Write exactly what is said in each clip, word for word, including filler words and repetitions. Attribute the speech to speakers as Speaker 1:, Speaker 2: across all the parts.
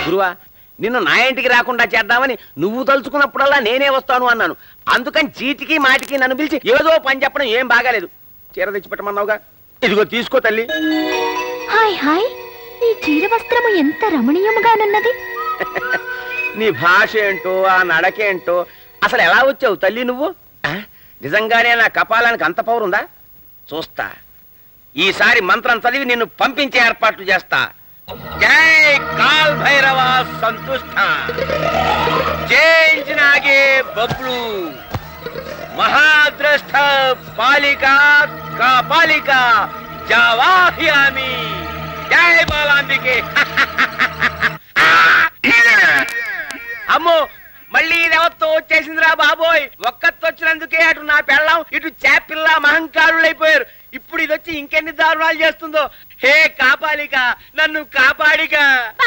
Speaker 1: గురువా, నిన్ను నా ఇంటికి రాకుండా చేద్దామని నువ్వు తలుచుకున్నప్పుడల్లా నేనే వస్తాను అన్నాను. అందుకని చీటికి మాటికి నన్ను పిలిచి ఏదో పని చెప్పడం ఏం బాగాలేదు. చీర తెచ్చిపెట్టమన్నావుగా, ఇదిగో తీసుకో తల్లి.
Speaker 2: హాయ్ హాయ్, ఈ చీర వస్త్రము ఎంత రమణీయముగానున్నది.
Speaker 1: నీ భాష ఏంటో, ఆ నడకేంటో, అసలు ఎలా వచ్చావు తల్లి నువ్వు? నిజంగానే నా కపాలానికి అంత పౌరుందా? చూస్తా, ఈసారి మంత్రం చదివి నిన్ను పంపించే ఏర్పాట్లు చేస్తా. జై కాల్ భైరవ సంతుష్ట, జై నాగే బబ్లు, మహాద్రష్ట పాలిక కాపాలిక జవాహ్యామి, జై బాలాంబికే. అమ్మో, మళ్ళీ ఇది ఎవరితో వచ్చేసిందిరా బాబోయ్. ఒక్కతొచ్చినందుకే అటు నా పెళ్ళం, ఇటు చేపిల్ల మహంకారులు అయిపోయారు. ఇప్పుడు ఇది వచ్చి ఇంకెన్ని దారుణాలు చేస్తుందో. హే కాపాలిక, నన్ను కాపాడిక.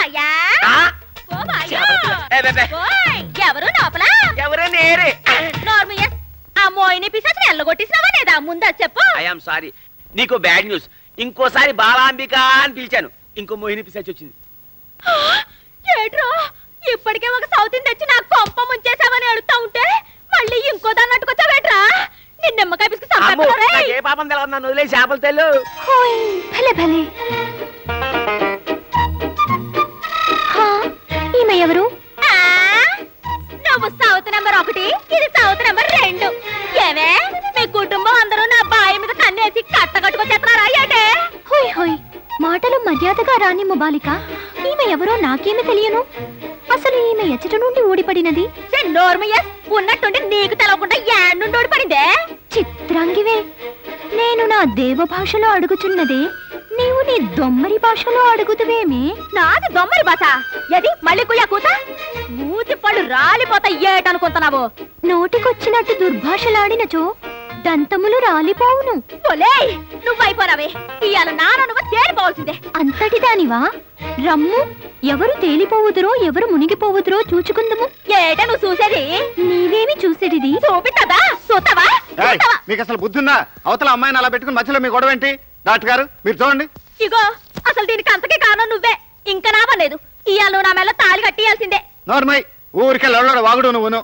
Speaker 2: ఎవరు లోపల?
Speaker 1: ఎవరు నేరే.
Speaker 2: ఆ మోయిని పిశాచిని ఎల్లగొట్టేసినావా లేదా? ముందా చెప్పు.
Speaker 1: ఐఎమ్ సారీ, నీకు బ్యాడ్ న్యూస్. ఇంకోసారి బాలాంబిక అని పిలిచాను, ఇంకో మోహిని పిశాచి వచ్చింది.
Speaker 2: ఏట్రో, ఇప్పటికే ఒక సౌతిని తెచ్చి నాకు కొంప ముంచేసామని అడుగుతా ఉంటే మళ్ళీ ఇంకో దాన్ని అట్టుకొచ్చావేట్రా? నిన్న నిమ్మకాయ పిసుకు సంపాదన.
Speaker 1: ఏ పాపం తెలవదు, నన్ను వదిలే చేపలు తెలు.
Speaker 2: భలే భలే. ఈమె ఎవరు? నువ్వు సౌత్ నెంబర్ ఒకటి, ఇది సౌత్ నెంబర్ రెండు. ఏమే, మీ కుటుంబం అందరూ నా బాయి మీద కన్నేసి కట్ట కట్టుకొచ్చేస్తున్నారా ఏంటే? హోయ్ హోయ్, మాటలు మర్యాదగా రాని ముబాలిక. ఈమె ఎవరో నాకేమి తెలియను. అసలు ఈమె ఎచ్చట నుండి ఊడిపడినది? ఉన్నట్టుండి నీకు తెలవకుండా యాడ్ నుండి ఊడిపడిందే. చిత్రాంగివే, నేను నా దేవ భాషలో అడుగుచున్నదే, నీవు నీ దొమ్మరి భాషలో అడుగుతువేమే? నాది దొమ్మరి భాష? ఎది మళ్ళీ కుయ్యా కూత? మూతి పళ్ళు రాలిపోతా ఏటనుకుంటున్నావు? నోటికొచ్చినట్టు దుర్భాషలాడినచో దంతములు రాలిపోవును. నువ్వైపోనావే, ఇవాళ నాన్న నువ్వు తేలిపోవాల్సిందే. అంతటి దానివా? రమ్ము, ఎవరు తేలిపోవుదురో ఎవరు మునిగిపోవుదురో చూచుకుందము. ఏట నువ్వు చూసేది? నీవేమి చూసేది? చూపిస్తావా? చూస్తావా?
Speaker 3: మీకు అసలు బుద్ధుందా? అవతల అమ్మాయిని అలా పెట్టుకుని మధ్యలో మీ గొడవ ఏంటి? డాక్టర్ గారు మీరు చూడండి.
Speaker 2: ఇగో, అసలు దీనికి అంతకే కారణం నువ్వే. ఇంకా నావలేదు. ఇవాళ నువ్వు నా మెల్ల తాళి కట్టియాల్సిందే.
Speaker 3: నోర్మై, ఊరికే లొల్లడ వాగుడు నువ్వును.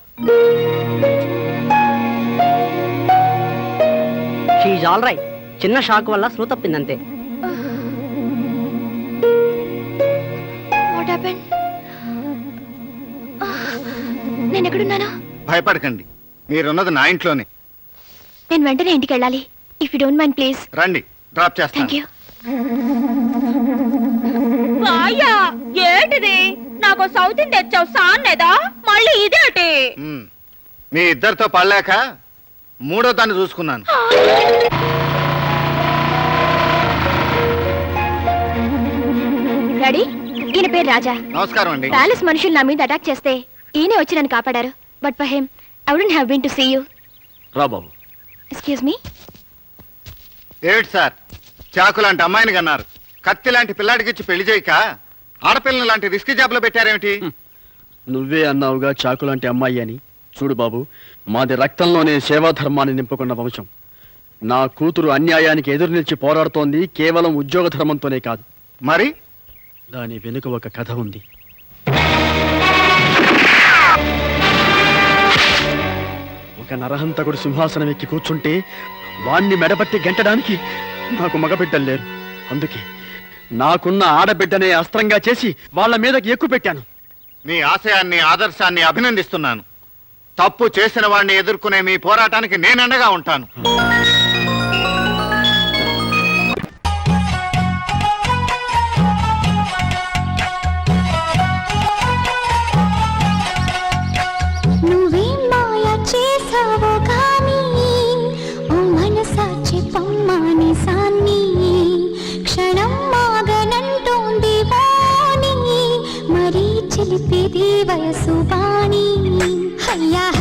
Speaker 4: షీఈ్ ఆల్ రైట్. చిన్న షాక్ వల్ల స్పృహ తప్పిందంతే.
Speaker 2: నేను ఎక్కడున్నాను?
Speaker 3: భయపడకండి, మీరున్నది నా ఇంట్లోనే.
Speaker 2: నేను వెంటనే ఇంటికి వెళ్ళాలి. If you don't mind please.
Speaker 3: రండి, డ్రాప్ చేస్తాను.
Speaker 2: థాంక్యూ. ఏంటిది? నాకు సౌతిని తెచ్చావు సాన్నేదా? మళ్ళీ ఇదేటి?
Speaker 3: మీ ఇద్దరితో పడలేక మూడో దాన్ని చూసుకున్నాను.
Speaker 2: డాడీ, ఈయన పేరు రాజా.
Speaker 3: నమస్కారం అండి.
Speaker 2: ప్యాలెస్ మనుషులు నా మీద అటాక్ చేస్తే ఈయనే వచ్చి నన్ను కాపాడారు. But for him I wouldn't have been to see you.
Speaker 1: రా బాబు.
Speaker 2: Excuse me.
Speaker 3: ఏమిటి సార్, చాకు లాంటి అమ్మాయిని కన్నారు, కత్తి లాంటి పిల్లాడికి ఇచ్చి పెళ్లి చేయక ఆడపిల్లని లాంటి రిస్క్ జాబ్ లో పెట్టారేమిటి?
Speaker 5: నువ్వే అన్నావుగా చాకు లాంటి అమ్మాయి అని. చూడు బాబు, మాది రక్తంలోనే సేవాధర్మాన్ని నింపుకున్న వంశం. నా కూతురు అన్యాయానికి ఎదురు నిలిచి పోరాడుతోంది కేవలం ఉద్యోగ ధర్మంతోనే కాదు.
Speaker 3: మరి
Speaker 5: దాని వెనుక ఒక కథ ఉంది. ఒక నరహంతకుడు సింహాసనం ఎక్కి కూర్చుంటే వాణ్ణి మెడపట్టి గెంటడానికి నాకు మగబిడ్డలు లేరు. అందుకే నాకున్న ఆడబిడ్డనే అస్త్రంగా చేసి వాళ్ళ మీదకి ఎక్కువ పెట్టాను.
Speaker 3: మీ ఆశయాన్ని ఆదర్శాన్ని అభినందిస్తున్నాను. తప్పు చేసిన వాడిని ఎదుర్కొనే మీ పోరాటానికి నేనండగా ఉంటాను.
Speaker 6: నువ్వేం మాయ చేసావో కానీ ఓ మనసాచి పమ్మాని సాన్ని క్షణం మాగనంటోంది వాణి మరీ చిలిపిది వయసు వాణి అయ్యా